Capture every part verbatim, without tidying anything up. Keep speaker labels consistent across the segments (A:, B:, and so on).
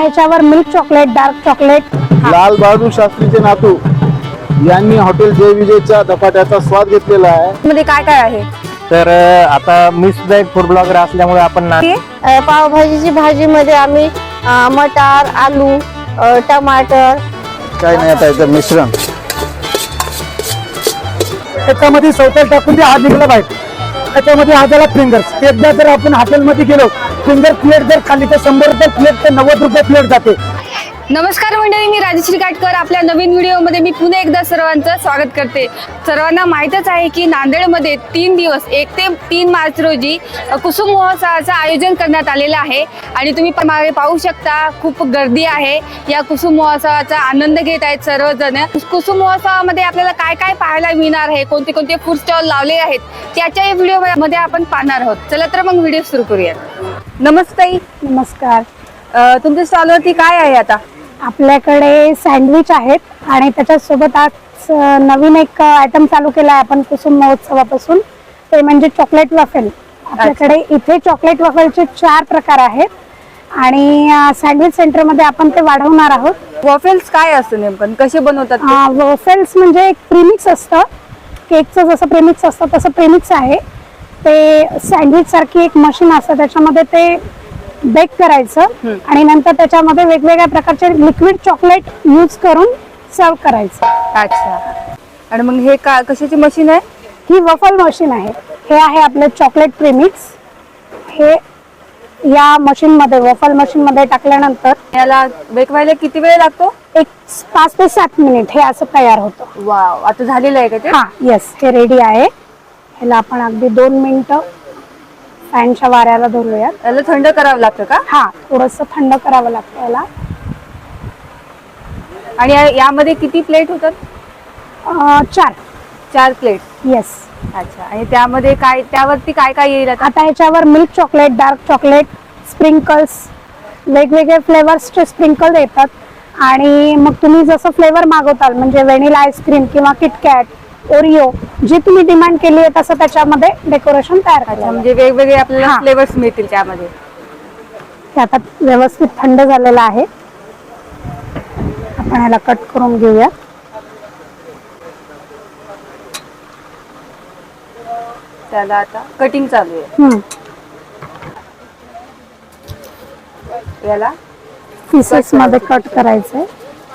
A: ह्याच्यावर milk chocolate, dark chocolate.
B: लाल बहादूर शास्त्रीचे नातू यांनी हॉटेल जय विजयच्या धपाट्याचा स्वाद घेतलेला आहे.
C: मध्ये काय काय आहे?
D: तर आता मी सुद्धा एक फूड ब्लॉगर असल्यामुळे आपण ना
C: पावभाजीची भाजी मध्ये आम्ही मटार, आलू, टमाटर,
B: काय नाही आता याचं मिश्रण
E: त्याच्यामध्ये सवतेल टाकून ते हात निघाला पाहिजे. त्याच्यामध्ये हाताला फिंगर्स. एकदा जर आपण हॉटेलमध्ये गेलो, फिंगर प्लेट जर खाली तर शंभर रुपये प्लेट ते नव्वद रुपये प्लेट जाते.
C: नमस्कार मंडळी, मी राजश्री काटकर. आपल्या नवीन व्हिडिओमध्ये मी पुन्हा एकदा सर्वांचं स्वागत करते. सर्वांना माहीतच आहे की नांदेडमध्ये तीन दिवस एक ते तीन मार्च रोजी कुसुम महोत्सवाचं आयोजन करण्यात आलेलं आहे आणि तुम्ही मागे पाहू शकता खूप गर्दी आहे. या कुसुम महोत्सवाचा आनंद घेत आहेत सर्वजण. कुसुम महोत्सवामध्ये आपल्याला काय काय पाहायला मिळणार आहे, कोणते कोणते फूड स्टॉल लावले आहेत, त्याच्या या व्हिडिओमध्ये आपण पाहणार आहोत. चला तर मग व्हिडिओ सुरू करूयात. नमस्ते.
A: नमस्कार.
C: तुमच्या स्टॉलवरती काय आहे आता?
A: आपल्याकडे सँडविच आहेत आणि त्याच्यासोबत आज नवीन एक आयटम चालू केला आहे आपण कुसुम महोत्सवापासून, ते म्हणजे चॉकलेट वॉफेल. आपल्याकडे इथे चॉकलेट वॉफेलचे चार प्रकार आहेत आणि सँडविच सेंटरमध्ये आपण ते वाढवणार आहोत.
C: वॉफेल्स काय असतं नेमकं, कसे बनवतात?
A: वॉफेल्स म्हणजे एक प्रीमिक्स असतं, केकचं जसं प्रीमिक्स असतं तसं प्रीमिक्स आहे. ते सँडविच सारखी एक मशीन असतं, त्याच्यामध्ये ते बेक करायचं आणि नंतर त्याच्यामध्ये वेगवेगळ्या प्रकारचे लिक्विड चॉकलेट यूज करून सर्व करायचं.
C: अच्छा. आणि मग हे का कशाची मशीन आहे?
A: ही वफल मशीन आहे. हे आहे आपलं चॉकलेट प्रीमिक्स. हे या मशीन मध्ये वफल मशीन मध्ये टाकल्यानंतर
C: याला बेक व्हायला किती वेळ लागतो?
A: एक पाच ते सात मिनिट हे असं तयार होतं.
C: वाव, आता झालेलं आहे का ते?
A: हा, येस, हे रेडी आहे. ह्याला आपण अगदी दोन मिनिटं फॅनच्या वाऱ्याला धरूयात.
C: याला थंड करावं लागतं का?
A: हा, थोडस थंड करावं लागतं याला.
C: आणि या- यामध्ये किती प्लेट होतात?
A: अं, चार.
C: चार प्लेट.
A: येस.
C: अच्छा. आणि त्यामध्ये काय, त्यावरती काय काय येईल आता?
A: आता ह्याच्यावर milk chocolate, dark chocolate, sprinkles, वेगवेगळे फ्लेवर्सचे स्प्रिंकल येतात आणि मग तुम्ही जसं फ्लेवर मागवताल म्हणजे व्हॅनिला आईस्क्रीम किंवा किटकॅट, ओरिओ, जे तुम्ही डिमांड केली आहे तसं त्याच्यामध्ये डेकोरेशन तयार करायचं.
C: म्हणजे वेगवेगळे आपल्याला
A: हा.
C: फ्लेवर्स मिळतील त्यामध्ये.
A: हे आता व्यवस्थित थंड झालेलं आहे. आपण ह्याला कट करून घेऊया.
C: त्याला आता कटिंग चालू आहे.
A: हम्म.
C: याला
A: पीसेस मध्ये कट करायचंय.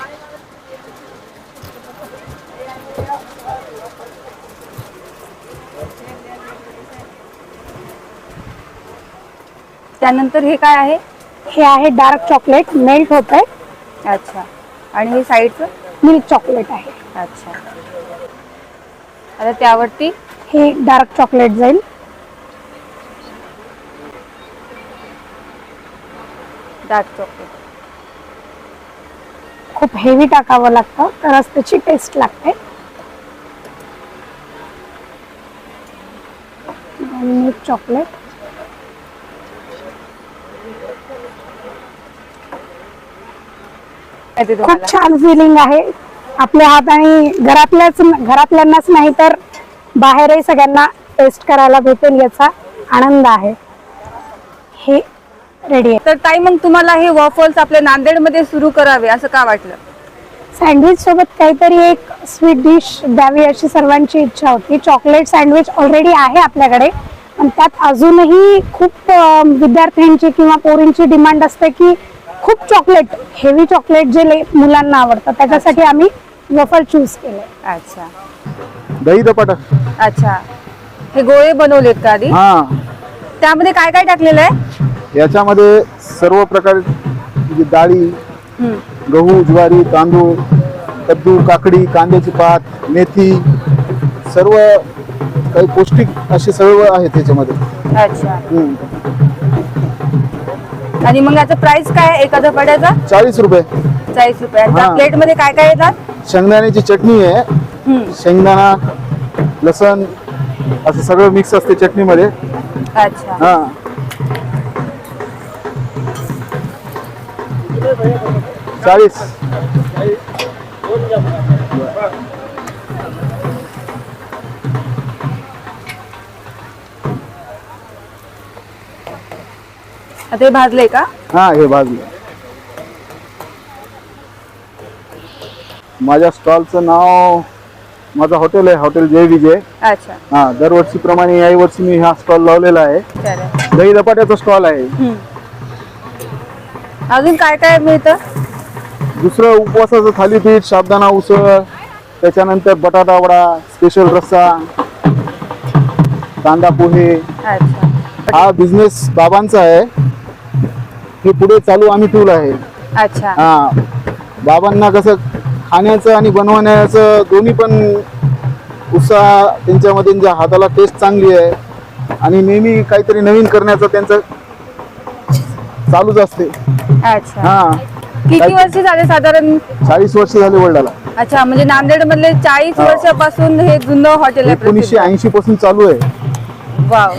C: त्यानंतर हे काय आहे?
A: हे आहे डार्क चॉकलेट, मेल्ट होत आहे.
C: अच्छा. आणि हे साईडचं?
A: मिल्क चॉकलेट आहे.
C: अच्छा. आता त्यावरती
A: हे डार्क चॉकलेट जाईल.
C: Dark chocolate.
A: खूप हेवी टाकावं लागतं तरच त्याची टेस्ट लागते. Milk chocolate.
C: येते
A: खूप
C: तुम्हाला?
A: छान फिलिंग आहे. आपल्या हात आणि घरातल्याच घरातल्यांनाच नाही तर बाहेरही सगळ्यांना टेस्ट करायला भेटेल याचा आनंद आहे. हे रेडी आहे.
C: तर ताई, मग तुम्हाला हे वॉफल्स आपल्या नांदेडमध्ये सुरू करावे असं का वाटलं?
A: सँडविच सोबत काहीतरी एक स्वीट डिश द्यावी अशी सर्वांची इच्छा होती. चॉकलेट सँडविच ऑलरेडी आहे आपल्याकडे, पण त्यात अजूनही खूप अं, विद्यार्थ्यांची किंवा पोरींची डिमांड असते की खूप चॉकलेट, हेवी चॉकलेट जे मुलांना आवडतं, त्याच्यासाठी आम्ही वफल चूज केले.
C: अच्छा.
B: दही धपाटा.
C: अच्छा. हे गोळे बनवलेत का आधी?
B: हा,
C: त्यामध्ये काय काय टाकलेलं आहे?
B: याच्यामध्ये सर्व प्रकार म्हणजे डाळी, गहू, ज्वारी, तांदूळ, कद्दू, काकडी, कांद्याची पात, मेथी, सर्व काही पौष्टिक असे सर्व आहेत त्याच्यामध्ये.
C: अच्छा.
B: हम्म.
C: आणि मग याचा प्राइस काय आहे एका धपाट्याचा?
B: चाळीस रुपये.
C: चाळीस रुपये.
B: हा.
C: प्लेट मध्ये काय काय येतात?
B: शेंगदाण्याची चटणी आहे,
C: हम्म.
B: शेंगदाणा, लसण असं सगळं मिक्स असते चटणीमध्ये.
C: अच्छा.
B: हा, चाळीस.
C: आता हे भाजले का?
B: हा, हे भाजलं. माझ्या स्टॉलचं नाव, माझं हॉटेल आहे हॉटेल जय विजय.
C: अच्छा,
B: हा, दरवर्षीप्रमाणे याही वर्षी मी हा स्टॉल लावलेला आहे.
C: चालेल.
B: दही धपाट्याचा स्टॉल आहे.
C: हम्म. अजून काय काय मिळतं?
B: दुसरं उपवासाचं थालीपीठ, साबुदाणा उसळ, त्याच्यानंतर बटाटा वडा, स्पेशल रस्सा, कांदा पोहे.
C: अच्छा,
B: हा बिझनेस बाबांचा आहे. हे पुढे चालू आम्ही ठेवलं आहे.
C: अच्छा.
B: हा, बाबांना कसं खाण्याचं आणि बनवण्याचं दोन्ही पण उत्साह त्यांच्यामध्ये, त्यांच्या हाताला टेस्ट चांगली आहे आणि नेहमी काहीतरी नवीन करण्याचं त्यांचं चालूच असते.
C: अच्छा.
B: हा,
C: किती वर्ष झाले साधारण?
B: चाळीस वर्ष झाले वडिलाला.
C: अच्छा, म्हणजे नांदेड मधले चाळीस
B: हा.
C: वर्षापासून हे जुनं हॉटेल आहे.
B: एकोणीसशे ऐंशी पासून चालू आहे.
C: वाव.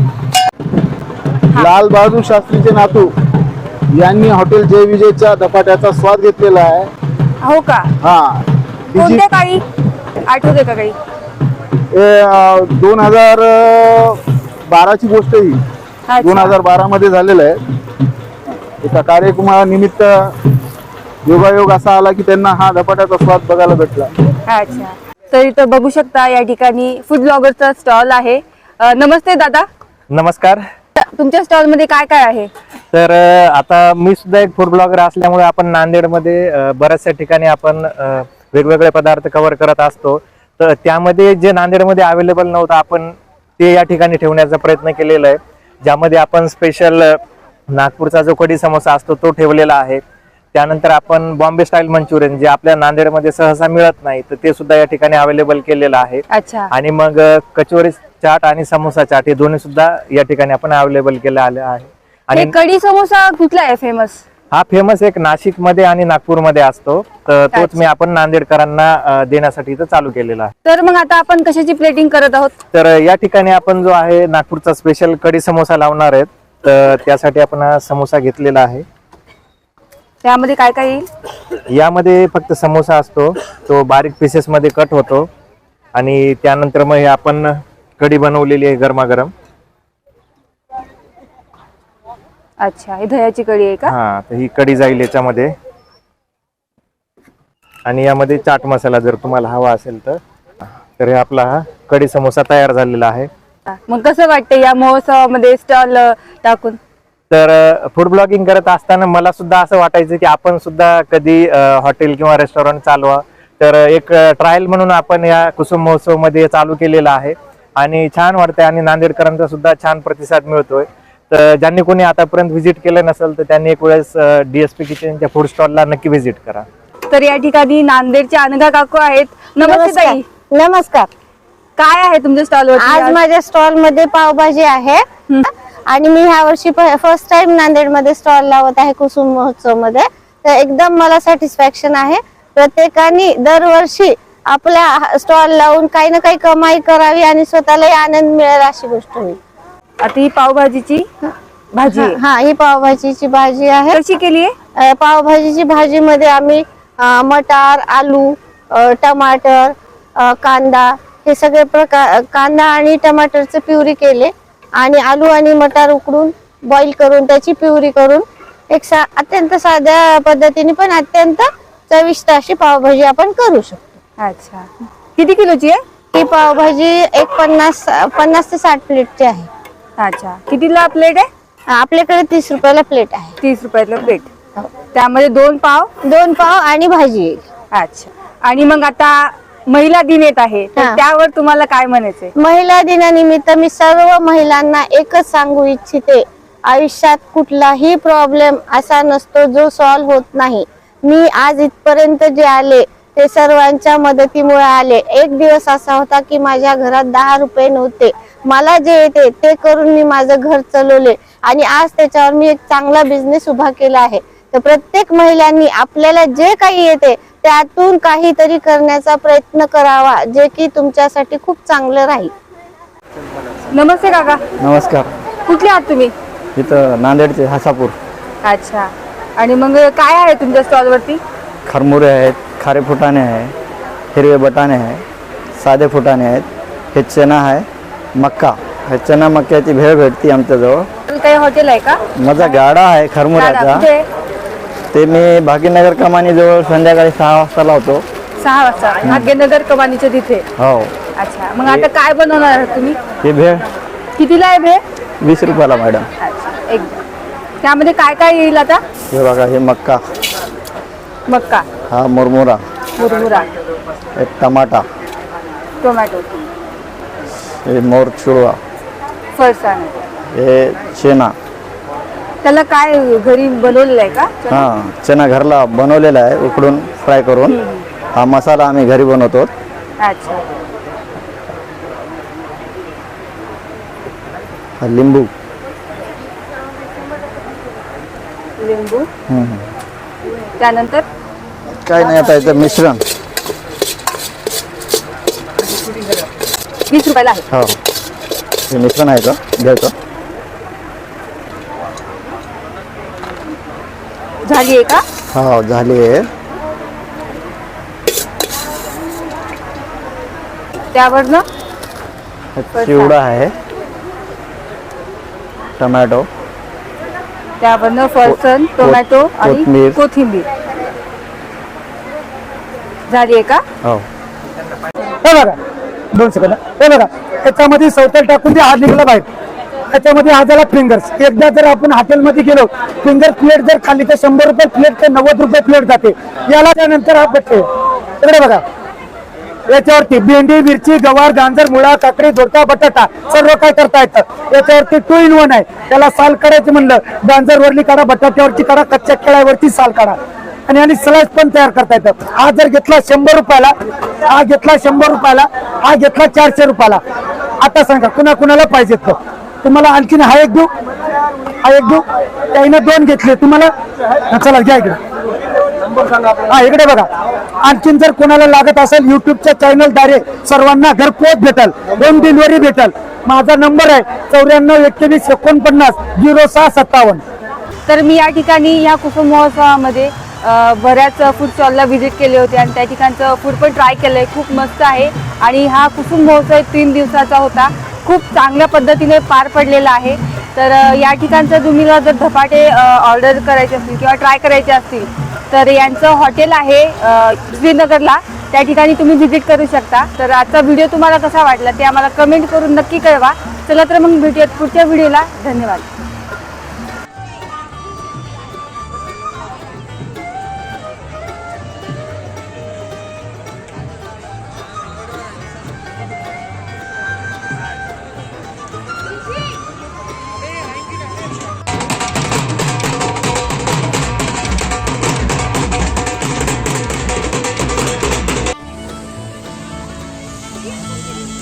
B: लाल बहादूर शास्त्रीचे नातू यांनी हॉटेल जय विजयच्या धपाट्याचा स्वाद घेतलेला आहे.
C: हो का?
B: हा, तिची
C: कोणत्या काळी आठवते का काही?
B: दोन हजार बाराची गोष्ट ही. दोन हजार बारा मध्ये झालेलं आहे. एका कार्यक्रमानिमित्त योगायोग असा आला की त्यांना हा धपाट्याचा स्वाद बघायला भेटला.
C: अच्छा, तर इथं बघू शकता या ठिकाणी फूड ब्लॉगरचा स्टॉल आहे. अ, नमस्ते दादा,
D: नमस्कार.
C: तुमच्या स्टॉल मध्ये काय काय आहे?
D: तर अ, आता मी सुद्धा एक फूड ब्लॉगर असल्यामुळे आपण नांदेडमध्ये अ, बऱ्याचशा ठिकाणी आपण अ, वेगवेगळे पदार्थ कव्हर करत असतो. तर त्यामध्ये जे नांदेडमध्ये अवेलेबल नव्हतं आपण ते या ठिकाणी ठेवण्याचा प्रयत्न केलेला आहे. ज्यामध्ये आपण स्पेशल नागपूरचा जो कढी समोसा असतो तो ठेवलेला आहे. त्यानंतर आपण बॉम्बे स्टाईल मंचुरियन जे आपल्या नांदेडमध्ये सहसा मिळत नाही तर ते सुद्धा या ठिकाणी अवेलेबल केलेलं आहे.
C: अच्छा.
D: आणि मग अ, कचोरी चाट आणि समोसा चाट हे दोन्ही सुद्धा या ठिकाणी आपण अवेलेबल केले आले आहे.
C: हे
D: आणि
C: कढी समोसा कुठला आहे फेमस?
D: हा फेमस एक नाशिक मध्ये आणि नागपूर मध्ये असतो. तर तोच
C: अच्छा.
D: मी आपण नांदेडकरांना अ, देण्यासाठी इथं चालू केलेला आहे.
C: तर मग आता आपण कशाची प्लेटिंग करत आहोत?
D: तर अ, या ठिकाणी आपण जो आहे नागपूरचा स्पेशल कढी समोसा लावणार आहेत. तर त्यासाठी आपण हा समोसा घेतलेला आहे.
C: त्यामध्ये काय काय येईल?
D: यामध्ये फक्त समोसा असतो तो बारीक पीसेस मध्ये कट होतो आणि त्यानंतर मग हे आपण कढी बनवलेली आहे गरमागरम.
C: अच्छा, ही दह्याची कढी आहे का?
D: हा, तर ही कढी जाईल याच्यामध्ये. आणि यामध्ये चाट मसाला जर तुम्हाला हवा असेल तर तर हे आपला हा कढी समोसा तयार झालेला आहे.
C: मग कसं वाटतं या महोत्सवामध्ये स्टॉल टाकून?
D: तर फूड ब्लॉगिंग करत असताना मला सुद्धा असं वाटायचं की आपण सुद्धा कधी हॉटेल किंवा रेस्टॉरंट चालवा. तर एक ट्रायल म्हणून आपण या कुसुम महोत्सव मध्ये चालू केलेला आहे आणि छान वाटतंय आणि नांदेडकरांचा सुद्धा छान प्रतिसाद मिळतोय. तर ज्यांनी कोणी आतापर्यंत व्हिजिट केलं नसेल तर त्यांनी एक वेळेस डीएसपी किचनच्या फूड स्टॉलला नक्की व्हिजिट करा.
C: तर या ठिकाणी नांदेडचे अनघा काकू आहेत. नमस्ते ताई,
A: नमस्कार.
C: काय आहे तुमच्या स्टॉलवर?
A: आज माझ्या स्टॉल मध्ये पावभाजी आहे आणि मी ह्या वर्षी फर्स्ट टाइम नांदेड मध्ये स्टॉल लावत आहे कुसुम महोत्सव मध्ये. तर एकदम मला सॅटिस्फॅक्शन आहे. प्रत्येकाने दरवर्षी आपल्या स्टॉल लावून काही ना काही कमाई करावी आणि स्वतःलाही आनंद मिळेल अशी गोष्ट होईल.
C: आता ही पावभाजीची भाजी आहे.
A: हा, ही पावभाजीची भाजी आहे.
C: कशी केली आहे?
A: अ, पावभाजीची भाजी मध्ये आम्ही अ, मटार, आलू, अ, टमाटर, अ, कांदा हे सगळे प्रकार, कांदा आणि टमाटरचे प्युरी केले आणि आलू आणि मटार उकडून बॉईल करून त्याची प्युरी करून एक सा अत्यंत साध्या पद्धतीने पण अत्यंत चविष्ट अशी पावभाजी आपण करू शकतो.
C: अच्छा, किती किलोची आहे
A: ही पावभाजी? एक पन्नास पन्नास ते साठ प्लेटची आहे.
C: अच्छा, कितीला प्लेट आहे?
A: आपल्याकडे तीस रुपयाला प्लेट आहे.
C: तीस रुपयाला प्लेट. त्यामध्ये दोन पाव
A: दोन पाव आणि भाजी येईल.
C: अच्छा, आणि मग आता महिला दिन येत आहे तर
A: हा.
C: त्यावर तुम्हाला काय म्हणायचंय?
A: महिला दिनानिमित्त मी सर्व महिलांना एकच सांगू इच्छिते, आयुष्यात कुठलाही प्रॉब्लेम असा नसतो जो सॉल्व्ह होत नाही. मी आज इथपर्यंत जे आले ते सर्वांच्या मदतीमुळे आले. एक दिवस असा होता की माझ्या घरात दहा रुपये नव्हते. मला जे येते ते करून मी माझं घर चालवले आणि आज त्याच्यावर मी एक चांगला बिझनेस उभा केला आहे. तर प्रत्येक महिलांनी आपल्याला जे काही येते त्यातून काहीतरी करण्याचा प्रयत्न करावा, जे की तुमच्यासाठी खूप चांगलं राहील.
C: नमस्ते काका,
F: नमस्कार.
C: कुठले आहात तुम्ही?
F: इथं नांदेडचे हासापूर.
C: अच्छा, आणि मग काय आहे तुमच्या स्टॉल वरती?
F: खरमुरे आहेत, खारे फुटाणे आहे, हिरवे बटाणे आहे, साधे फुटाणे आहेत, हे चना आहे, मक्का. हे चना मक्याची भेळ भेटते आमच्याजवळ.
C: काही हॉटेल आहे का?
F: माझा गाडा आहे खरमुऱ्याचा.
C: कुठे?
F: ते मी भाग्यनगर कमानी जवळ संध्याकाळी सहा वाजता लावतो.
C: सहा वाजता भाग्यनगर कमानीच्या तिथे.
F: हो.
C: अच्छा, मग आता काय बनवणार आहात तुम्ही?
F: हे भेळ
C: कितीला आहे भेळ?
F: वीस रुपयाला मॅडम.
C: अच्छा, एक त्यामध्ये काय काय येईल आता?
F: हे बघा, हे मक्का,
C: मक्का,
F: हा मुरमुरा,
C: मुरमुरा,
F: हे टमाटा,
C: टोमॅटो,
F: हे मोर चुरवा,
C: फरसाण.
F: हे चेना.
C: त्याला काय घरी बनवलेलं आहे का?
F: हां, चना घरला बनवलेला आहे उकडून फ्राय करून. हा मसाला आम्ही घरी बनवतो.
C: अच्छा,
F: हा लिंबू,
C: लिंबू,
F: हम्म.
C: त्यानंतर
F: काय नाही, आता याचं मिश्रण.
C: वीस रुपयाला आहे.
F: हो, हे मिश्रण आहे का घ्यायचं.
C: झाली आहे का?
F: हो, झाली आहे.
C: त्यावरनं
F: हा चिवडा आहे, टमॅटो,
C: त्यावरनं फरसाण, टोमॅटो आणि
F: कोथिंबीर.
C: कोथिंबीर. झाली आहे का?
F: हो.
E: हे बघा, दोन सेकंद. हे बघा, याच्यामध्ये सवतल टाकून ते हात निघाला बाहेर. याच्यामध्ये हा झाला फिंगर्स. एकदा जर आपण हॉटेलमध्ये गेलो, फिंगर प्लेट जर खाली तर शंभर रुपये प्लेट तर नव्वद रुपये प्लेट जाते. याला त्यानंतर हा बट्टे इकडे बघा, याच्यावरती भेंडी, मिरची, गवार, गांजर, मुळा, काकडी, दोडका, बटाटा सर्व काय करता येतं. याच्यावरती टू इन वन आहे. त्याला साल काढायचं म्हणलं, गांजरवरली काढा, बटाट्यावरची काढा, कच्च्या केळ्यावरती साल काढा आणि आणि स्लाइस पण तयार करता येतं. हा जर घेतला शंभर रुपयाला, हा घेतला शंभर रुपयाला, हा घेतला चारशे रुपयाला. आता सांगा कुणा कुणाला पाहिजेत तो. तुम्हाला आणखीन हा एक देऊ, हा एक देऊ. त्यानं दोन घेतले तुम्हाला. चला घ्या इकडे. हा इकडे बघा, आणखीन जर कोणाला लागत असेल युट्यूबच्या चॅनलद्वारे सर्वांना घरपोच भेटल, होम डिलिव्हरी भेटल. माझा नंबर आहे चौऱ्याण्णव एकवीस एकोणपन्नास झिरो सहा सत्तावन्न.
C: तर मी या ठिकाणी या कुसुम महोत्सवामध्ये अ, बऱ्याच फूड स्टॉलला व्हिजिट केले होते आणि त्या ठिकाणचं फूड पण ट्राय केलं आहे. खूप मस्त आहे आणि हा कुसुम महोत्सव तीन दिवसाचा होता. खूप चांगल्या पद्धतीने पार पडलेला आहे. तर अ, या ठिकाणचं तुम्हाला जर धपाटे ऑर्डर करायचे असतील किंवा ट्राय करायचे असतील तर यांचं हॉटेल आहे अ, श्रीनगरला. त्या ठिकाणी तुम्ही व्हिजिट करू शकता. तर आजचा व्हिडिओ तुम्हाला कसा वाटला ते आम्हाला कमेंट करून नक्की कळवा. चला तर मग भेटूयात पुढच्या व्हिडिओला. धन्यवाद.
G: Thank you.